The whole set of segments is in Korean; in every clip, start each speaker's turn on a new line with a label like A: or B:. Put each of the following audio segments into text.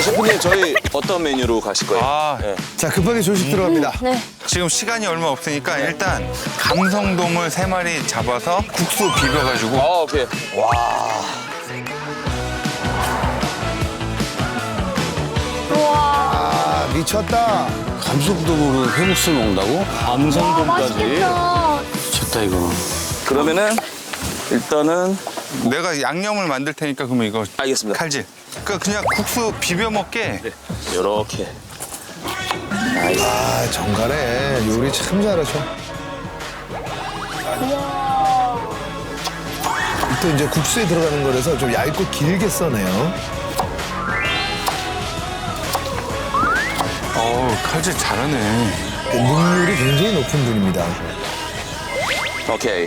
A: 셰프님 저희 어떤 메뉴로 가실 거예요? 네.
B: 자, 급하게 조식 들어갑니다.
C: 네.
D: 지금 시간이 얼마 없으니까 일단 감성돔을 3마리 잡아서 국수 비벼가지고
A: 오케이.
B: 아, 미쳤다.
E: 감성돔으로 회국수를 먹는다고? 감성돔까지?
C: 맛있겠다.
E: 미쳤다, 이거.
A: 그러면은 일단은
D: 내가 양념을 만들 테니까 그러면 이거
A: 알겠습니다.
D: 칼질. 그러니까 그냥 국수 비벼 먹게.
A: 이렇게.
B: 아, 정갈해. 요리 참 잘하셔. 또 이제 국수에 들어가는 거라서 좀 얇고 길게 써내요.
D: 어우, 칼질 잘하네.
B: 능률이 굉장히 높은 분입니다.
A: 오케이.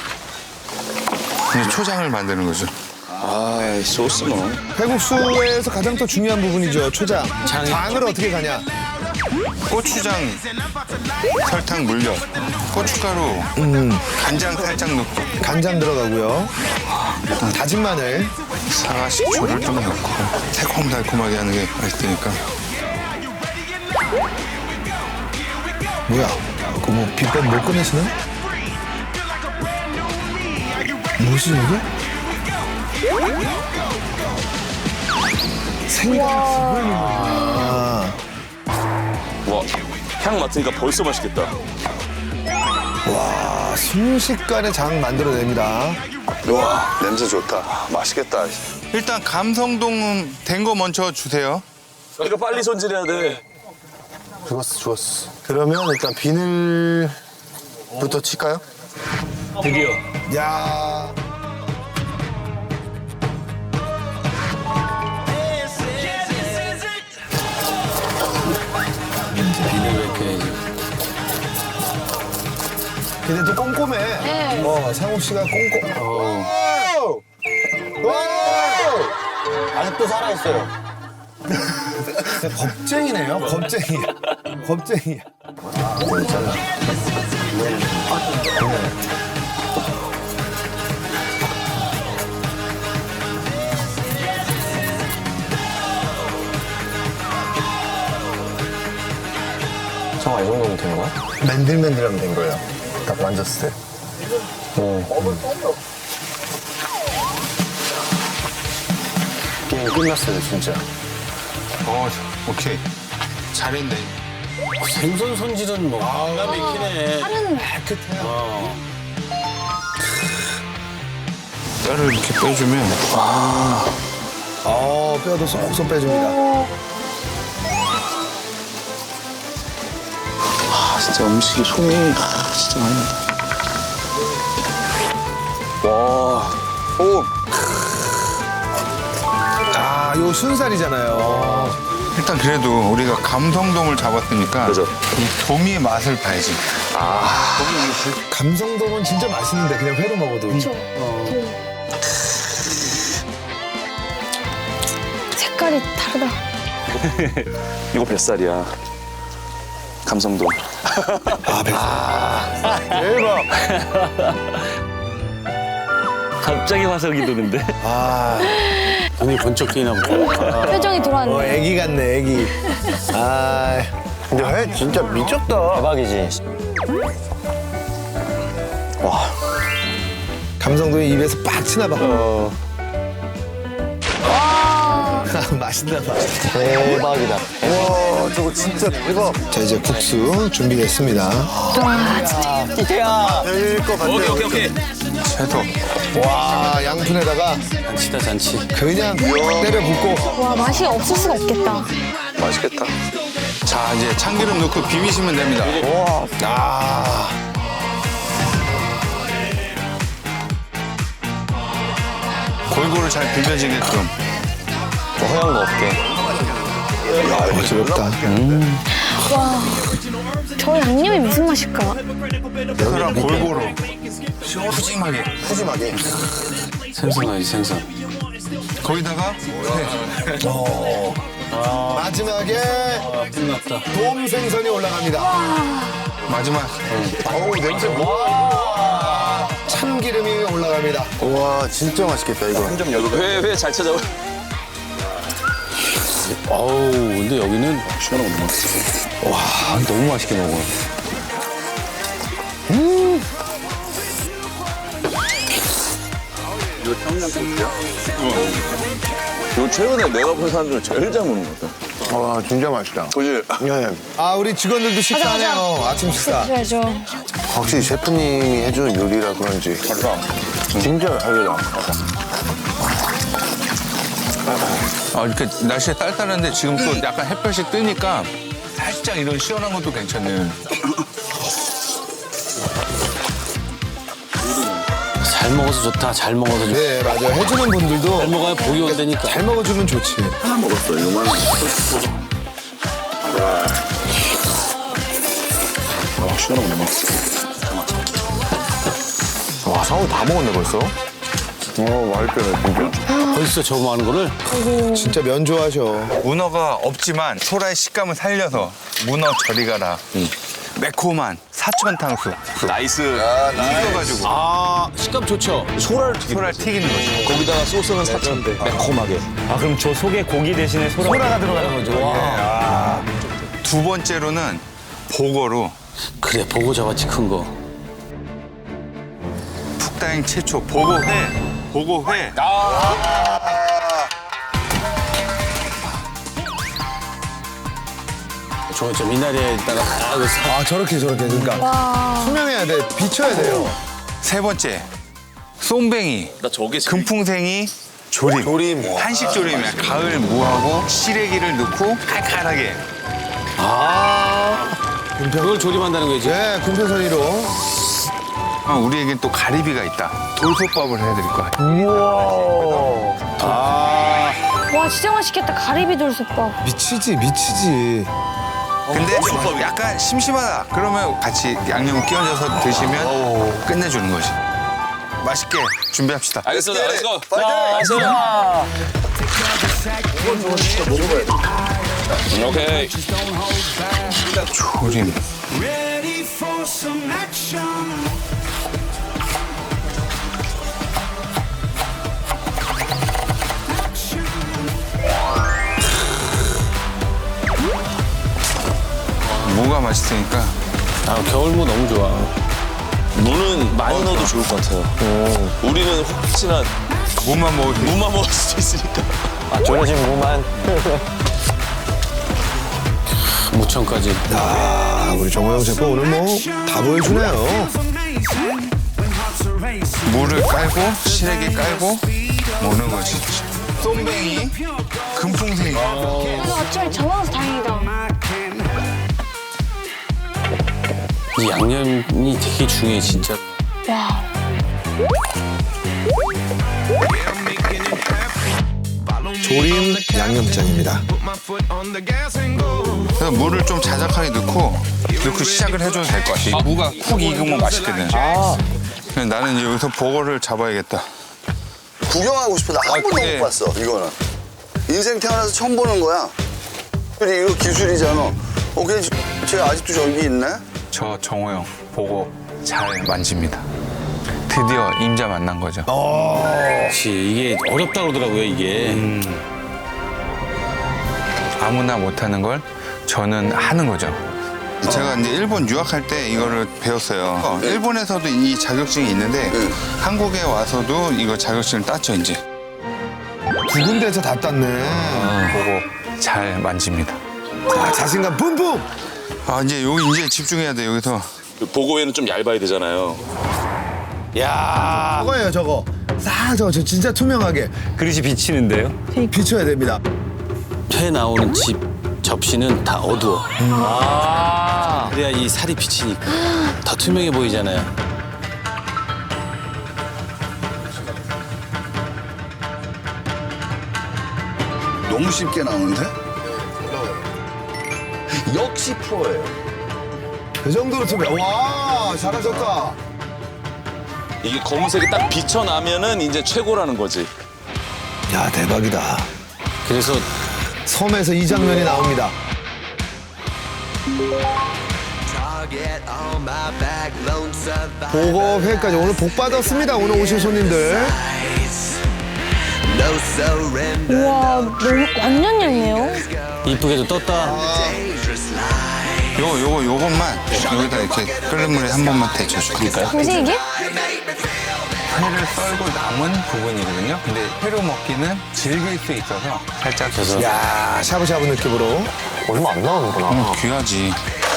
D: 이제 초장을 만드는 거죠.
A: 소스 뭐.
B: 회국수에서 가장 또 중요한 부분이죠. 초장. 장을 어떻게 가냐.
D: 고추장, 설탕 물엿, 고춧가루, 간장 살짝 넣고
B: 간장 들어가고요. 다진 마늘.
D: 사과 식초를 좀 넣고 새콤달콤하게 하는 게 맛있으니까.
B: 뭐야? 그 뭐 비법 못 꺼내시나? 뭐지 이게? 생강 아,
A: 와, 향 맡으니까 벌써 맛있겠다.
B: 와, 순식간에 장 만들어냅니다.
F: 와, 냄새 좋다. 맛있겠다.
D: 일단 감성동 된 거 먼저 주세요.
A: 이거 빨리 손질해야 돼.
F: 좋았어. 그러면 일단 비늘부터 칠까요?
E: 드디어.
B: 야,
E: 비늘 이렇게.
B: 근데 또 꼼꼼해.
C: 네.
B: 상욱 씨가 꼼꼼. 오!
F: 아직도 살아있어요.
B: 겁쟁이네요. 겁쟁이야. 겁쟁이야.
F: 성아, 이 정도면 된 거야? 맨들맨들하면 된 거예요. 딱 만졌을 때. 게임 끝났어요, 진짜.
D: 오케이. 잘했네.
E: 생선 손질은 뭐, 기가 막히네.
C: 하는
D: 뼈를 이렇게 빼주면
B: 뼈도 쏙쏙 빼줍니다.
A: 진짜 음식이 손이 진짜 많이 난다. 와, 오,
B: 아, 요 순살이잖아요.
D: 일단 그래도 우리가 감성돔을 잡았으니까
A: 그죠.
D: 이 도미의 맛을 봐야지.
B: 감성돔은 진짜 맛있는데 그냥 회로 먹어도.
C: 색깔이 다르다.
A: 이거 뱃살이야. 감성돔.
F: 대박!
E: 갑자기 화석이 도는데? 눈이 번쩍 뜨이나 보다.
C: 표정이 돌아왔네.
B: 애기 같네, 애기. 아,
F: 근데 회 진짜 미쳤다.
E: 대박이지.
B: 감성돔이 입에서 빡 치나 봐.
C: 와.
B: 맛있나 봐.
F: 대박이다. 와, 저거 진짜 대박.
B: 자, 이제 국수 준비됐습니다.
C: 와, 진짜.
E: 이태야.
F: 될것 같아요.
A: 오케이.
D: 채소.
B: 와, 양푼에다가
E: 잔치다, 잔치.
B: 그냥 때려 붓고.
C: 와, 맛이 없을 수가 없겠다.
F: 맛있겠다.
D: 자, 이제 참기름 넣고 비비시면 됩니다.
B: 아,
D: 골고루 잘 비벼지게끔.
E: 허연 거 없게.
B: 어지럽다.
C: 와, 저 양념이 무슨 맛일까?
D: 그럼 골고루. 푸짐하게.
F: 푸짐하게.
E: 생선하지, 생선.
D: 거기다가
B: 마지막에
E: 끝났다.
B: 돔 생선이 올라갑니다.
D: 마지막.
F: 어우, 냄새.
B: 참기름이 올라갑니다.
F: 와, 진짜 맛있겠다, 이거.
A: 회 잘 찾아오.
E: 어우, 근데 여기는
A: 시원하고 너무
E: 와, 너무 맛있게 먹어.
A: 이거 청양고추야? 이거 최근에 내가 본 사람 중에 제일 잘 먹는 것 같아.
F: 와, 진짜 맛있다.
A: 그지?
F: 네.
B: 아, 우리 직원들도 식사하네요. 아침 식사.
C: 그래야죠.
F: 확실히 셰프님이 해주는 요리라 그런지. 진짜 다르다.
D: 아, 이렇게 날씨가 딸딸한데 지금 또 약간 햇볕이 뜨니까 살짝 이런 시원한 것도 괜찮네.
E: 잘 먹어서 좋다. 잘 먹어서 좋다.
B: 네, 맞아요. 해주는 분들도
E: 잘 먹어야 복이 온다니까.
B: 잘 먹어주면 좋지.
A: 하나 먹었어, 이거만. 와, 시원하고 너무 맛있어.
F: 와, 상우 다 먹었네, 벌써? 맛있다, 진짜.
E: 벌써 저 많은 거를
B: 진짜 면 좋아하셔.
D: 문어가 없지만 소라의 식감을 살려서 문어 저리 가라. 매콤한 사천 탕수.
A: 나이스.
D: 튀겨가지고
E: 아, 식감 좋죠.
D: 소라를 튀기는 거죠.
A: 거기다가 소스는 사천대. 매콤하게.
G: 아 그럼 저 속에 고기 대신에 소라가
E: 들어가는 거죠. 와.
D: 두 번째로는 보거로
E: 그래, 보고 저같이 큰 거.
D: 북다잉 최초 보고회. 보고회.
E: 저 미나리에다가 딱
B: 아, 저렇게. 그러니까 투명해야 돼. 비춰야 돼요.
D: 세 번째 쏨뱅이.
A: 나 저게
D: 금풍생이 조림. 한식 조림이야. 가을 무하고 시래기를 넣고 칼칼하게.
E: 그걸 조림한다는 거지.
B: 네, 금편선이로.
D: 우리에겐 또 가리비가 있다. 돌솥밥을 해드릴 거야.
C: 와, 진짜 맛있겠다. 가리비 돌솥밥.
B: 미치지.
D: 근데 약간 심심하다. 그러면 같이 양념을 끼얹어서 드시면 끝내주는 거지. 맛있게 준비합시다.
A: 알겠습니다. 렛츠고. 오케이.
D: 조림. 무가 맛있으니까.
E: 아, 겨울무 너무 좋아.
A: 무는 많이 넣어도 좋을 것 같아요. 우리는 혹시나
D: 무만 먹을 수 있어.
A: 무만 먹을 수도 있으니까.
G: 졸여진 무만.
E: 무청까지.
B: 아, 우리 정호영 셰프 오늘 뭐 다 보여주네요.
D: 무를 깔고 시래기 깔고 먹는 거지. 쏨뱅이, 금풍생이.
C: 그래서 아침에 잡아서 다행이다.
E: 이 양념이 되게 중요해, 진짜.
C: 와.
B: 조림 양념장입니다.
D: 그래서 무를 좀 자작하게 넣고 시작을 해줘도 될 것 같아. 무가 쿡 익으면 맛있거든. 그래서 나는 이제 여기서 버거를 잡아야겠다.
H: 구경하고 싶어. 나 한 번도
D: 그래.
H: 못 봤어, 이거는. 인생 태어나서 처음 보는 거야. 근데 이거 기술이잖아. 그냥 쟤 아직도 저기 있네?
D: 저 정호영 버거 잘 만집니다. 드디어 임자 만난 거죠.
E: 그렇지. 이게 어렵다 그러더라고요, 이게.
D: 아무나 못하는 걸 저는 하는 거죠. 제가 이제 일본 유학할 때 이거를 배웠어요. 일본에서도 이 자격증이 있는데 한국에 와서도 이거 자격증을 땄죠, 이제.
B: 두 군데에서 다 땄네.
D: 버거 잘 만집니다.
B: 아, 자신감 뿜뿜.
D: 아, 이제 집중해야 돼, 여기서.
A: 보고에는 좀 얇아야 되잖아요.
B: 저거예요, 저거. 저 진짜 투명하게
G: 그릇이 비치는데요?
B: 비춰야 됩니다.
E: 회 나오는 집 접시는 다 어두워. 그래야 이 살이 비치니까 더 투명해 보이잖아요.
H: 너무 쉽게 나오는데? 역시 프로예요.
B: 그 정도로 투명. 와, 잘하셨다.
A: 이게 검은색이 딱 비쳐나면은 이제 최고라는 거지.
B: 야, 대박이다.
E: 그래서
B: 섬에서 이 장면이 나옵니다. 보고 회까지 오늘 복 받았습니다. 오늘 오신 손님들.
C: 우와, 너무 완전 얇네요.
E: 이쁘게도 떴다.
D: 요것만 여기다 이렇게 끓는 물에 한 번만 데쳐줄까요?
C: 뭐지 이게?
D: 회를 썰고 남은 부분이거든요. 근데 회로 먹기는 질길 수 있어서 살짝 져서.
B: 야, 샤브샤브 느낌으로.
F: 얼마 안 나오는구나.
D: 귀하지.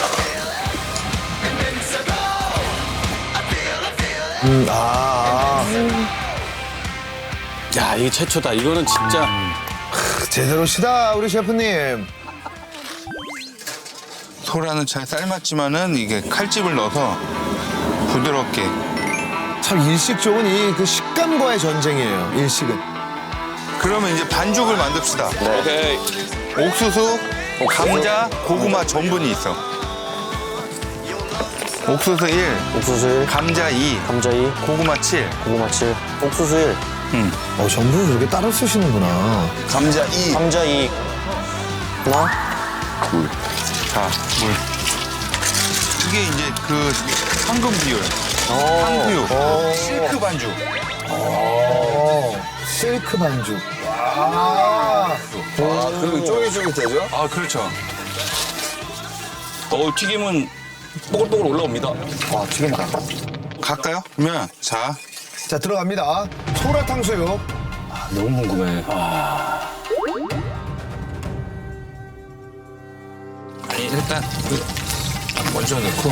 E: 야, 이게 최초다. 이거는 진짜.
B: 제대로 시다, 우리 셰프님.
D: 소라는 잘 삶았지만은 이게 칼집을 넣어서 부드럽게.
B: 참 일식 쪽은 이 그 식감과의 전쟁이에요, 일식은.
D: 그러면 이제 반죽을 만듭시다.
A: 오케이.
D: 옥수수, 감자, 고구마 전분이 있어. 옥수수 1,
F: 옥수수 1,
D: 감자 2,
F: 감자 2,
D: 고구마 7.
F: 고구마 7, 옥수수 1,
B: 전분을 그렇게 따로 쓰시는구나.
H: 감자 2.
F: 감자 2. 하나,
D: 자, 물. 이게 이제 그 황금 비율. 황수육. 실크 반죽.
B: 실크 반죽.
H: 그리고 쫄깃쫄깃해져?
D: 아, 그렇죠.
A: 튀김은 뽀글뽀글 올라옵니다.
B: 와, 튀긴다.
D: 갈까요? 그러면 자,
B: 자, 들어갑니다. 소라 탕수육.
E: 너무 궁금해.
D: 일단 먼저 넣고.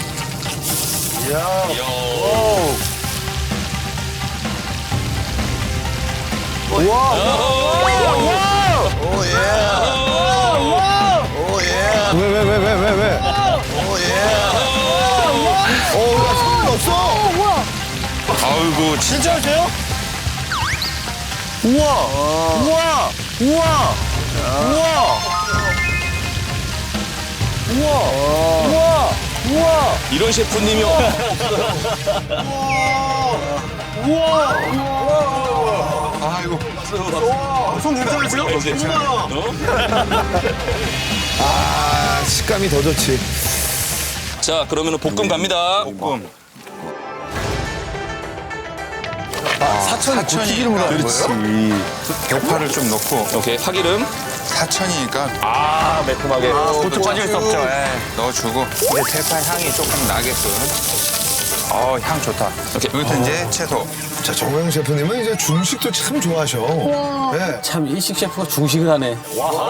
B: 왜? 손 넣었어?
D: 아이고, 진짜.
A: 이런 셰프님이요.
D: 아이고.
A: 손 괜찮으세요?
B: 아, 식감이 더 좋지.
A: 자, 그러면 볶음 갑니다.
D: 볶음.
B: 튀기름으로 하는 거예요?
D: 대파를 좀 넣고.
A: 오케이, 파기름.
D: 사천이니까
G: 아, 매콤하게.
D: 그것도
G: 빠질 수 없죠.
D: 넣어주고. 이제 대파 향이 조금 나게끔. 향 좋다.
A: 오케이.
D: 여기서 이제 채소.
B: 자, 정호영 셰프님은 이제 중식도 참 좋아하셔. 네.
E: 참, 일식 셰프가 중식을 하네.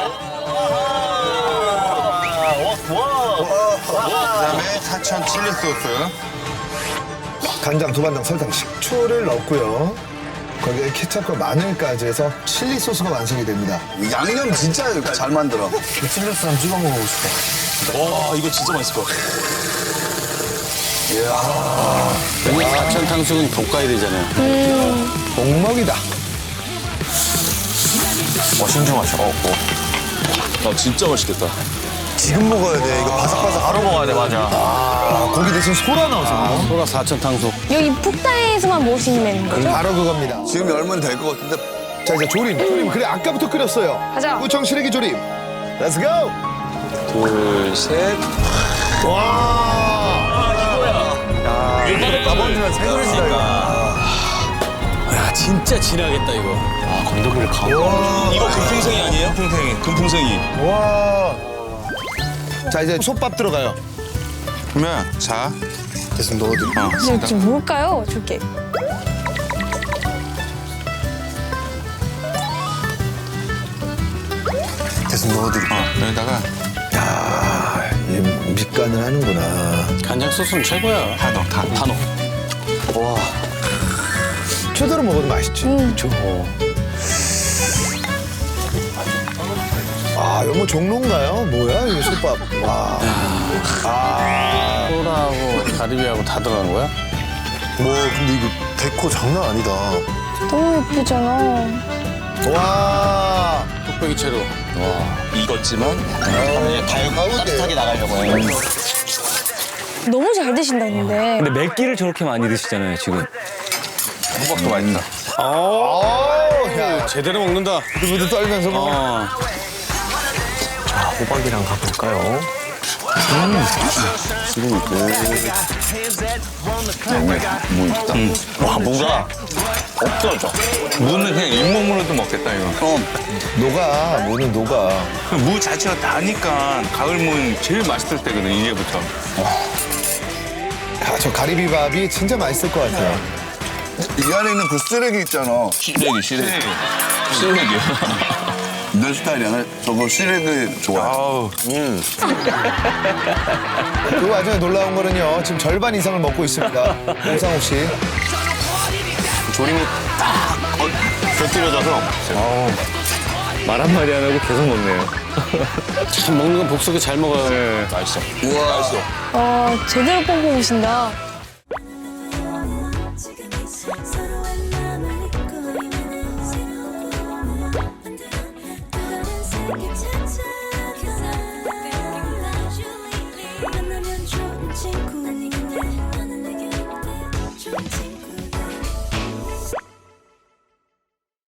D: 그다음에 사천 칠리 소스.
B: 간장, 두반장, 설탕, 식초를 넣고요. 거기에 케첩과 마늘까지 해서 칠리 소스가 완성이 됩니다.
H: 양념 진짜 잘 만들어.
B: 칠리 소스 한번 찍어 먹어보고 싶어.
A: 와, 이거 진짜 맛있을 것 같아.
E: 여기 사천 탕수육은 볶아야 되잖아요.
B: 목먹이다.
F: 신중하셔.
A: 진짜 맛있겠다.
B: 지금 먹어야 돼. 이거 바삭바삭.
G: 바로 먹어야 돼, 맞아.
B: 아, 고기 대신 소라 넣어서.
E: 소라 사천 탕수육.
C: 여기 푹다에서만 먹을 수 있는 메뉴인 거죠?
B: 바로 그겁니다.
H: 지금 열면 될 것 같은데.
B: 자, 이제 조림. 그래, 아까부터 끓였어요.
C: 가자.
B: 우청 시래기 조림. 렛츠 고!
A: 둘, 셋.
B: 나머지는 생그릇이다, 이거.
E: 야, 진짜 진하겠다, 이거.
F: 건더기를 가고.
A: 이거 금풍생이 아니에요? 금풍생이.
B: 와. 자, 이제 솥밥 들어가요.
D: 그러면 자,
B: 계속 넣어드릴게요.
C: 근데 지금 뭘까요? 줄게.
B: 계속 넣어드릴게요.
D: 여기다가
B: 야, 이 밑간을 하는구나.
E: 간장 소스는 최고야.
D: 다 넣어, 다.
E: 다 넣어.
B: 최대로 먹어도 맛있지.
E: 그렇죠.
B: 아, 이거 뭐 종로인가요? 뭐야, 이거 솥밥. 와.
E: 소라하고 가리비하고 다 들어간 거야?
B: 뭐, 근데 이거 데코 장난 아니다.
C: 너무 예쁘잖아.
B: 와.
E: 뚝배기 채로.
A: 익었지만
F: 따뜻하게 나가려고 해요.
C: 너무 잘 드신다 근데.
G: 근데 몇 끼를 저렇게 많이 드시잖아요, 지금.
D: 호박도 맛있다.
B: 야,
E: 제대로 먹는다.
B: 부들부들 떨면서 먹어.
E: 어.
F: 호박이랑 가볼까요?
G: 와, 뭔가 없어져.
D: 무는 그냥 잇몸으로도 먹겠다 이거.
B: 녹아, 무는 녹아.
D: 무 자체가 다니까 가을 무는 제일 맛있을 때거든 이제부터.
B: 야, 저 가리비밥이 진짜 맛있을 것 같아요.
H: 이 안에 있는 그 쓰레기 있잖아.
A: 시래기. 시래기야.
H: 내 스타일이야. 나 저거 시래기 좋아해.
D: 아우.
B: 그 와중에 놀라운 거는요. 지금 절반 이상을 먹고 있습니다. 홍상욱 씨.
G: 조림이 딱 곁들여져서 말 한마디 안 하고 계속 먹네요.
E: 참 먹는 건 복수게 잘 먹어요.
G: 맛있어.
H: 우와.
C: 와, 제대로 뽑고 오신다.